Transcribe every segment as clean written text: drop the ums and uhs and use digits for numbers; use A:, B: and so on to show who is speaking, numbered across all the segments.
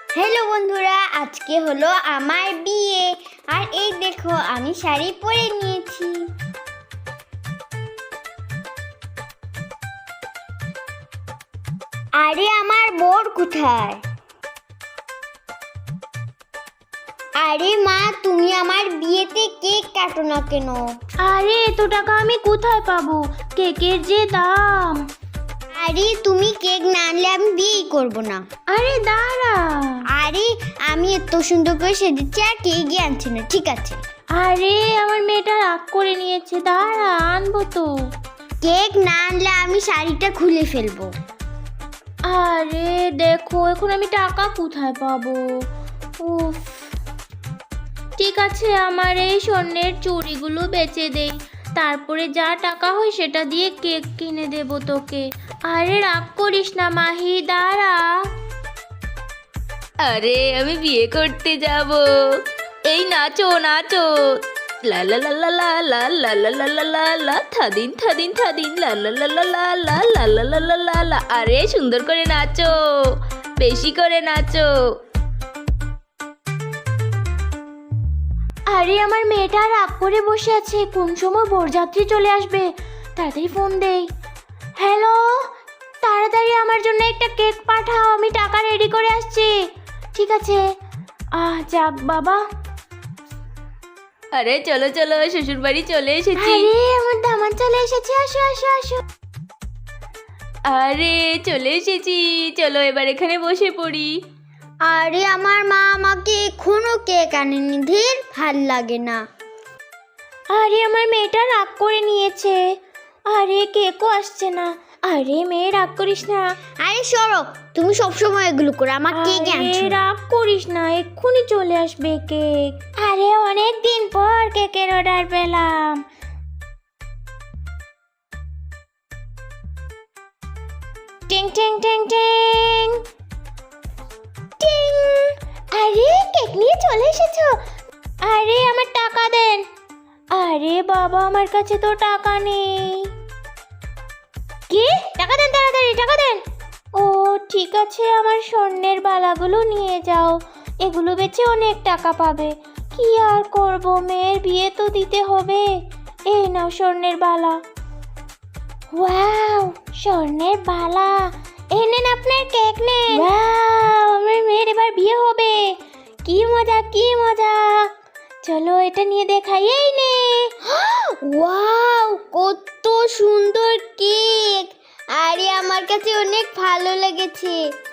A: Hello বন্ধুরা, আজকে হলো আমার বিয়ে। আর এই দেখো আমি শাড়ি পরে নিয়েছি। আরে আমার বর কোথায়? আরে মা, তুমি আমার বিয়েতে কেক কাটো না কেন?
B: আরে এত টাকা আমি কোথায় পাবো? কেকের যে দাম।
A: আরে তুমি কেক না আনলে আমি বিয়েই করবো না।
B: আরে দাঁড়া।
A: আরে আমি এত সুন্দর করে সেজেছি আর কেকই আনছি না, ঠিক আছে?
B: আরে আমার মেয়েটা রাগ করে নিয়েছে, দাঁড়া আনবো তো।
A: কেক না আনলে আমি শাড়িটা খুলে ফেলবো।
B: আরে দেখো এখন আমি টাকা কোথায় পাবো? উফ, ঠিক আছে আমার এই স্বর্ণের চুড়িগুলো বেচে দেই, তারপরে যা টাকা হয় সেটা দিয়ে কেক কিনে দেবো তোকে। আরে রাগ করিস না মাহি, দাঁড়া।
C: আরে আমি বিয়ে করতে যাব, এই নাচো নাচো, লা লা লা লা লা লা লা লা লা লা লা লা, থাদিন থাদিন থাদিন, লা লা লা লা লা লা লা লা লা লা লা লা। আরে সুন্দর করে নাচো, বেশি করে নাচো।
B: আরে আমার মেয়েটা রাগ করে বসে আছে, কোন সময় বরযাত্রী চলে আসবে, তাড়াতাড়ি ফোন দেই। হ্যালো, তাড়াতাড়ি আমার জন্য একটা কেক পাঠাও, আমি টাকা রেডি করে আসছি। ঠিক আছে, যাক বাবা।
C: আরে চলো চলো, শ্বশুর বাড়ি চলে এসেছি।
B: আরে আমার দামান চলে এসেছে, আসো আসো আসো।
C: আরে চলে এসেছি, চলো এবার এখানে বসে পড়ি।
A: আরে আমার মা আমাকে এখনো কেক আনেনি, ধীর ভাল লাগে না।
B: আরে আমার মেয়েটা রাগ করে নিয়েছে, আরে কেকও আসছে না। আরে মেয়ে রাগ করিস না।
A: আরে সরো, তুমি সবসময় এগুলো করো, আমার কেক আনছো
B: আরে
A: না।
B: রাগ করিস না, এক্ষুনি চলে আসবে কেক। আরে অনেক দিন পর কেকের অর্ডার পেলাম। টিং টিং টিং টিং টিং। আরে কেক নিয়ে চলে এসেছো? আরে আমার টাকা দেন। আরে বাবা আমার কাছে তো টাকা নেই। কি? টাকা দেন, তাড়াতাড়ি টাকা দেন। ও ঠিক আছে, আমার স্বর্ণের বালাগুলো নিয়ে যাও, এগুলো বেচে অনেক টাকা পাবে। কি আর করব, মেয়ের বিয়ে তো দিতে হবে। এই নাও স্বর্ণের বালা। ওয়াও, স্বর্ণের বালা। এই নেন আপনার কেক নেন। ওয়াও, আমার মেয়ের এবার বিয়ে হবে। কি মজা কি মজা। চলো এটা নিয়ে দেখাই। এই নে।
A: ওয়াও, কত সুন্দর কেক। আরে আমার কাছে অনেক ভালো লেগেছে।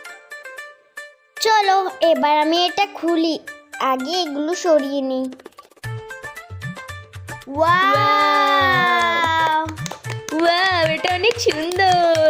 A: চলো এবার আমি এটা খুলি, আগে এগুলো সরিয়ে নিই। ওয়াও,
C: ওয়াও, এটা অনেক সুন্দর।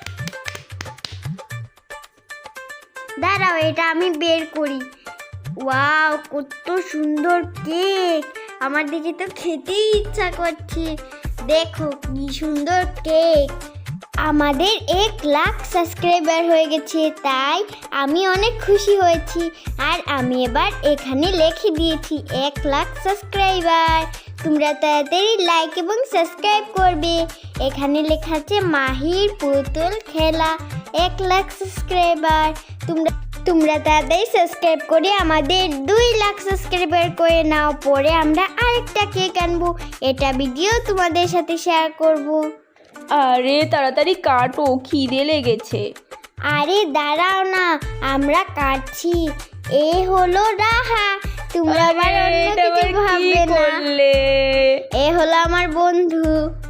A: দাঁড়াও এটা আমি বের করি। ওয়াও, কত সুন্দর কেক, আমার দেখে তো খেতেই ইচ্ছা করছে। দেখো কি সুন্দর কেক। আমাদের 1 লাখ সাবস্ক্রাইবার হয়ে গেছে, তাই আমি অনেক খুশি হয়েছি। আর আমি এবার এখানে লিখে দিয়েছি 1 লাখ সাবস্ক্রাইবার। তোমরা তাড়াতাড়ি লাইক এবং সাবস্ক্রাইব করবে। এখানে লেখা আছে মাহির পুতুল খেলা 1 লাখ সাবস্ক্রাইবার। তোমরা তাড়াতাড়ি সাবস্ক্রাইব করে আমাদের 2 লাখ সাবস্ক্রাইবার করে নাও, পরে আমরা আরেকটা কেক আনবো, এটা ভিডিও তোমাদের সাথে শেয়ার করব।
C: আরে তাড়াতাড়ি কাটো, খিদে লেগেছে।
A: আরে দাঁড়াও না, আমরা কাটছি। এ হলো রাহা, তোমরা আবার অন্য কিছু ভাববে না। এ হলো আমার বন্ধু।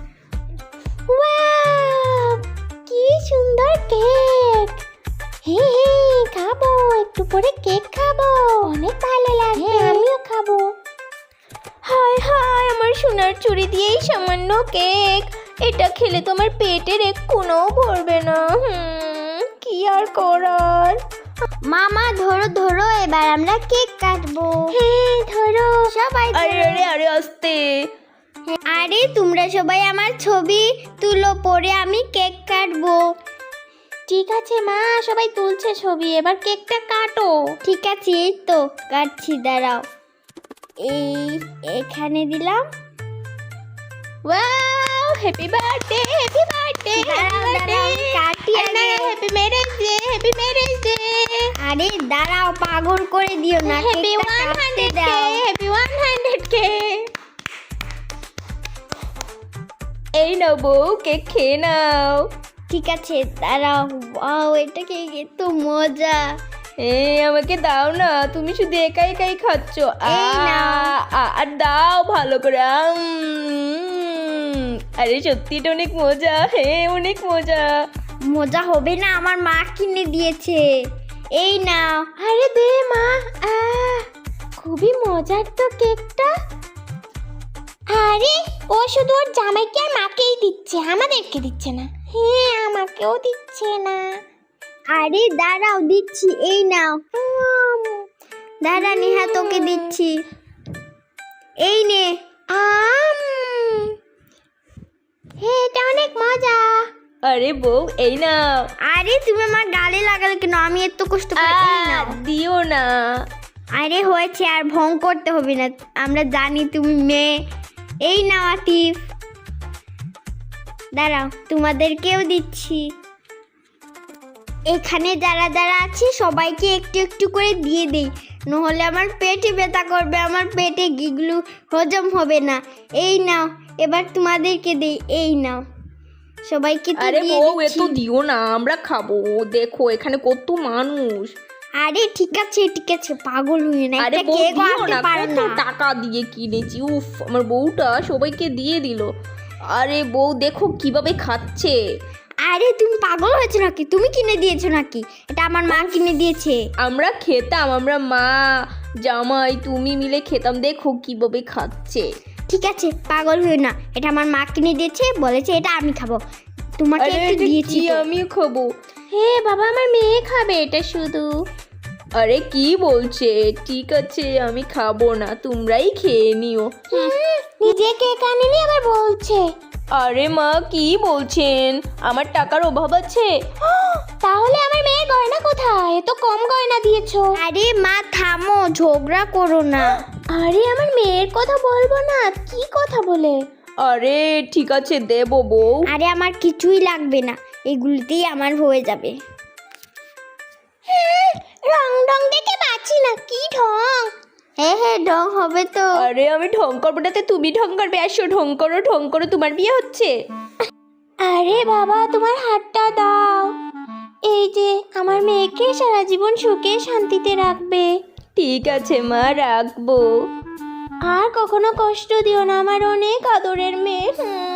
B: ওয়াও, কি সুন্দর কেক। হে হে, খাবো, একটু পরে কেক খাবো, অনেক ভালো লাগবে। আমিও খাবো। হায় হায়, আমার সোনার চুড়ি দিয়েই সামান্য কেক, এটা খেলে তো আমার পেটের এক কোণও ভরবে না। কি আর করার।
A: মামা ধরো ধরো, এবার আমরা কেক কাটবো।
B: হ্যাঁ ধরো
A: সবাই
C: আরে
A: ধরো।
C: আরে আরে আস্তে।
A: আরে তোমরা সবাই আমার ছবি তুলো, পরে আমি কেক কাটবো।
B: ঠিক আছে মা, সবাই তুলছে ছবি, এবার কেকটা কাটো।
A: ঠিক আছে, এই তো কাটছি, দাঁড়াও। এখানে দিলাম।
B: Wow, happy birthday happy birthday
A: দাঁড়াও, দাঁড়াও, কাটি আগে।
B: Happy marriage day happy marriage day.
A: আরে দাঁড়াও, করে দিও না,
B: হ্যাপি
A: কেকটা কাটতে
B: 100K,
A: দাও।
B: Happy 100K।
C: এই নাও বউ, কেক খেয়ে নাও।
A: ঠিক আছে দাঁড়াও। ওয়াও, এটা কেক এত মজা।
C: আমাকে দাও না, তুমি শুধু একাই একাই খাচ্ছ।
A: এই নাও।
C: আর দাও ভালো করে। আরে সত্যি এটা অনেক মজা, অনেক মজা।
A: মজা হবে না, আমার মা কিনে দিয়েছে। এই নাও।
B: আরে দে মা। খুবই মজার তো কেকটা। আরে ও শুধু ওর জামাইকে আর মাকেই দিচ্ছে, আমাদেরকে দিচ্ছে না। হ্যাঁ, আমাকেও দিচ্ছে না।
A: আরে দাঁড়াও, দিচ্ছি। এই নাও। দাঁড়া নেহা, তোকে দিচ্ছি। এই নে।
B: এটা অনেক মজা।
C: আরে বউ, এই নাও।
A: আরে তুমি আমার গালে লাগালে কেন? আমি এত কষ্ট করে। এই নাও।
C: দিও না।
A: আরে হয়েছে, আর ভং করতে হবে না, আমরা জানি তুমি মেয়ে। এই নাও আতিফ। দাঁড়াও, তোমাদেরকেও দিচ্ছি। এখানে যারা যারা আছে সবাইকে একটু একটু করে দিয়ে দেই, নহলে আমার পেটে ব্যথা করবে, আমার পেটে গিগলু হজম হবে না। এই নাও, এবার তোমাদেরকে দেই। এই নাও, সবাইকে তো
C: আরে
A: দিয়ে
C: বউ, এ
A: দিচ্ছি।
C: তো দিও না, আমরা খাবো। দেখো এখানে কত মানুষ।
A: আরে ঠিক আছে ঠিক আছে, পাগল হয়ে না,
C: আরে
A: একটা
C: বউ
A: কেকও
C: দিও
A: আনতে
C: না,
A: পারে
C: কত
A: না।
C: টাকা দিয়ে কিনেছি। উফ, আমার বউটা সবাইকে দিয়ে দিল। আরে বউ দেখো কিভাবে খাচ্ছে।
A: আরে তুমি পাগল হয়েছো নাকি? তুমি কিনে দিয়েছো নাকি? এটা আমার মা কিনে দিয়েছে।
C: আমরা খেতাম, আমরা মা জামাই তুমি মিলে খেতাম। দেখো কিভাবে খাচ্ছে।
A: ঠিক আছে, পাগল হয়ে না, এটা আমার মা কিনে দিয়েছে, বলেছে এটা আমি খাবো। তোমাকে
C: আরে
A: একটু
C: এটা
A: দিয়েছি
C: কি,
A: তো।
C: আমিও খাবো।
B: হে বাবা, আমার মেয়ে খাবে এটা শুধু।
C: আরে কি বলছে? ঠিক আছে, আমি খাবো না, তোমরাই খেয়ে নিও।
B: নিজে কেক আনেনি আবার বলছে।
C: আরে মা, কি বলছেন? আমার টাকার অভাব আছে।
B: তাহলে আমার মেয়ের গয়না কোথায়? এত কম গয়না দিয়েছো।
A: আরে মা থামো, ঝগড়া করো না।
B: আরে আমার মেয়ের কথা বলবো না, কি কথা বলে?
C: আরে ঠিক আছে, দেবো বউ।
A: আরে আমার কিছুই লাগবে না, এগুলিতেই আমার হয়ে যাবে।
B: রং ডং দেখে পাচ্ছি না, কি ঢং।
A: হ্যাঁ হ্যাঁ, ঢং হবে তো।
C: আরে আমি ঢং করবো না, তুমি ঢং করবে। আসো, ঢং করো ঢং করো, তোমার বিয়ে হচ্ছে।
B: আরে বাবা, তোমার হাতটা দাও। এই যে আমার মেয়েকে সারা জীবন সুখে শান্তিতে রাখবে।
C: ঠিক আছে মা, রাখবো।
B: আর কখনো কষ্ট দিও না, আমার অনেক আদরের মেয়ে।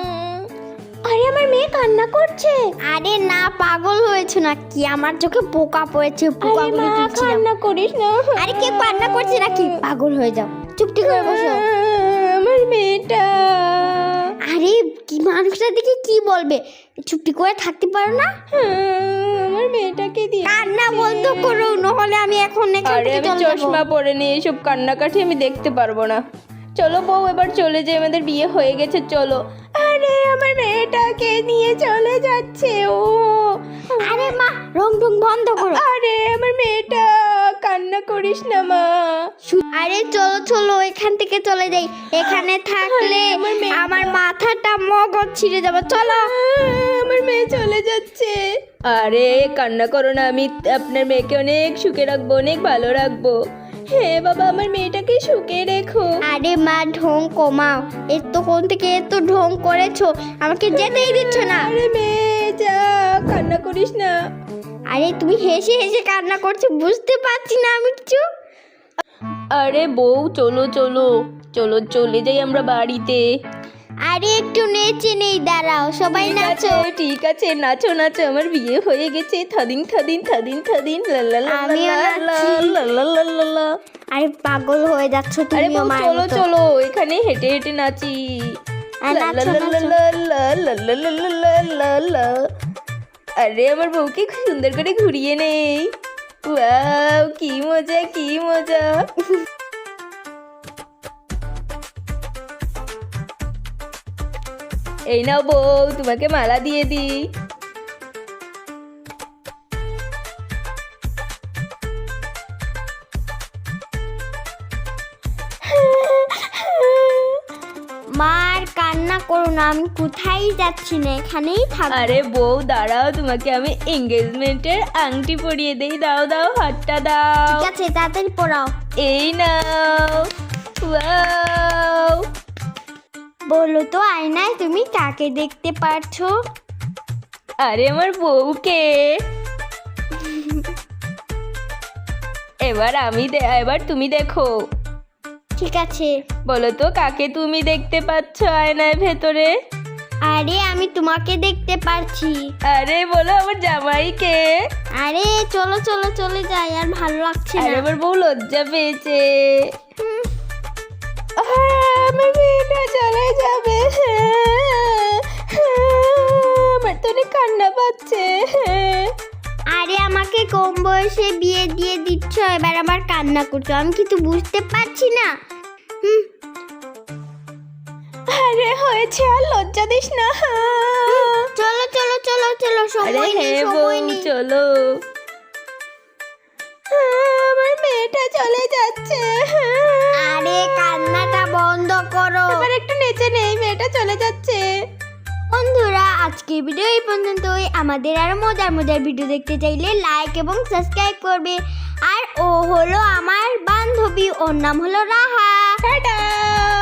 B: আরে আমার মেয়ে কান্না করছে।
A: আরে না, পাগল হয়েছো নাকি? আমার চোখে পোকা পড়েছে,
B: আরে
A: পোকাগুলো
B: মা,
A: তুলছিলাম।
B: কান্না করিস না।
A: আরে কে কান্না করছে নাকি? পাগল হয়ে যাও, চুপটি করে বসো।
B: আমার মেয়েটা।
A: আরে কি মানুষটা দেখে কি বলবে? চুপটি করে থাকতে পারো না?
B: আমার মেয়েটাকে দিয়ে
A: কান্না বন্ধ করো, নহলে আমি এখন এখান
C: আরে
A: থেকে
C: আমি
A: চলে যাবো।
C: চশমা পরে নিয়ে এসব কান্নাকাটি আমি দেখতে পারবো না। চলো বউ, এবার চলে যাই, আমাদের বিয়ে হয়ে গেছে, চলো।
B: আরে আমার মেয়েটাকে নিয়ে চলে যাচ্ছে ও।
A: আরে মা, রং টং বন্ধ করো।
B: আরে আমার মেয়েটা, কান্না করিস না মা।
A: আরে চলো চলো, এখান থেকে চলে যাই, এখানে থাকলে
B: আমার মেয়ে-
A: আমার মাথাটা মগজ ছিঁড়ে যাবে। চলো।
B: আমার মেয়ে চলে যাচ্ছে।
C: আরে কান্না করো না, আমি আপনার মেয়েকে অনেক সুখে রাখবো, অনেক ভালো রাখবো।
B: হ্যাঁ বাবা, আমার মেয়েটাকে সুখে রেখো।
A: আরে মা, ঢং কমাও, এতক্ষণ থেকে এত ঢং করেছো, আমাকে যেতেই দিচ্ছ না।
B: আরে মেয়ে যা, কান্না করিস না।
A: আরে তুমি হেসে হেসে কান্না করছো, বুঝতে পারছি না আমি কিছু।
C: আরে বউ, চলো চলো চলো, চলে যাই আমরা বাড়িতে।
A: আরে একটু নেচে নেই, দাঁড়াও, সবাই
C: ঠিক আছে,
A: নাচো।
C: ঠিক আছে, নাচো নাচো, আমার বিয়ে হয়ে গেছে। থাদিন থাদিন থাদিন থাদিন, লা লা লা
A: আমিও
C: লা লা
A: নাচছি।
C: লা লা লা লা লা।
A: আরে পাগল হয়ে যাচ্ছ
C: আরে
A: তুমিও
C: বউ,
A: মায়ের
C: চলো
A: মতো।
C: চলো, এখানে হেঁটে হেঁটে নাচি।
A: আর
C: লা লা
A: নাচো,
C: লা
A: নাচো।
C: লা লা লা লা লা লা লা লা লা। আরে আমার বউকে খুব সুন্দর করে ঘুরিয়ে নেই। ওয়াও, কি মজা কি মজা। এই নাও বউ, তোমাকে মালা দিয়ে দিই।
A: মার কান্না কান্না করো না, আমি কোথায় যাচ্ছি না, এখানেই থাকবো।
C: আরে বউ দাঁড়াও, তোমাকে আমি এঙ্গেজমেন্টের আংটি পরিয়ে দেই। দাও দাও, হাতটা দাও।
A: ঠিক আছে, তাড়াতাড়ি পড়াও।
C: এই নাও। ওয়াও!
A: বলো তো আয়নায় তুমি কাকে দেখতে পারছো?
C: আরে আমার বউকে। এবার তুমি দেখো।
A: ঠিক আছে।
C: বলো তো কাকে তুমি দেখতে পাচ্ছ আয়নার ভেতরে?
A: আরে আমি তোমাকে দেখতে পারছি।
C: আরে বলো আমার জামাইকে।
A: আরে চলো চলো চলে যাই, আর ভালো লাগছে
C: আরে
A: না।
C: আমার বউ লজ্জা পেয়েছে। আমার মেয়েটা চলে যাবে। আমার তো অনেক কান্না পাচ্ছে।
A: আরে আমাকে কম বয়সে বিয়ে দিয়ে দিচ্ছ, এবার আবার কান্না করছো, আমি কিছু বুঝতে পারছি না।
C: আরে হয়েছে, আর লজ্জা দিস না।
A: চলো চলো চলো চলো,
C: আরে
A: সময় নেই
C: হ্যাঁ বউ,
A: সময় নেই।
C: চলো। আমার মেয়েটা চলে যাচ্ছে।
A: আরে কান্নাটা বন্ধ করো।
C: এবার একটু নেচে নেই, মেয়েটা চলে যাচ্ছে।
A: বন্ধুরা, আজকের ভিডিও এই পর্যন্তই। আমাদের আরো মজার মজার ভিডিও দেখতে চাইলে লাইক এবং সাবস্ক্রাইব করবে। আর ও হলো আমার বান্ধবী, ওর নাম হলো রাহা।
C: টাটা।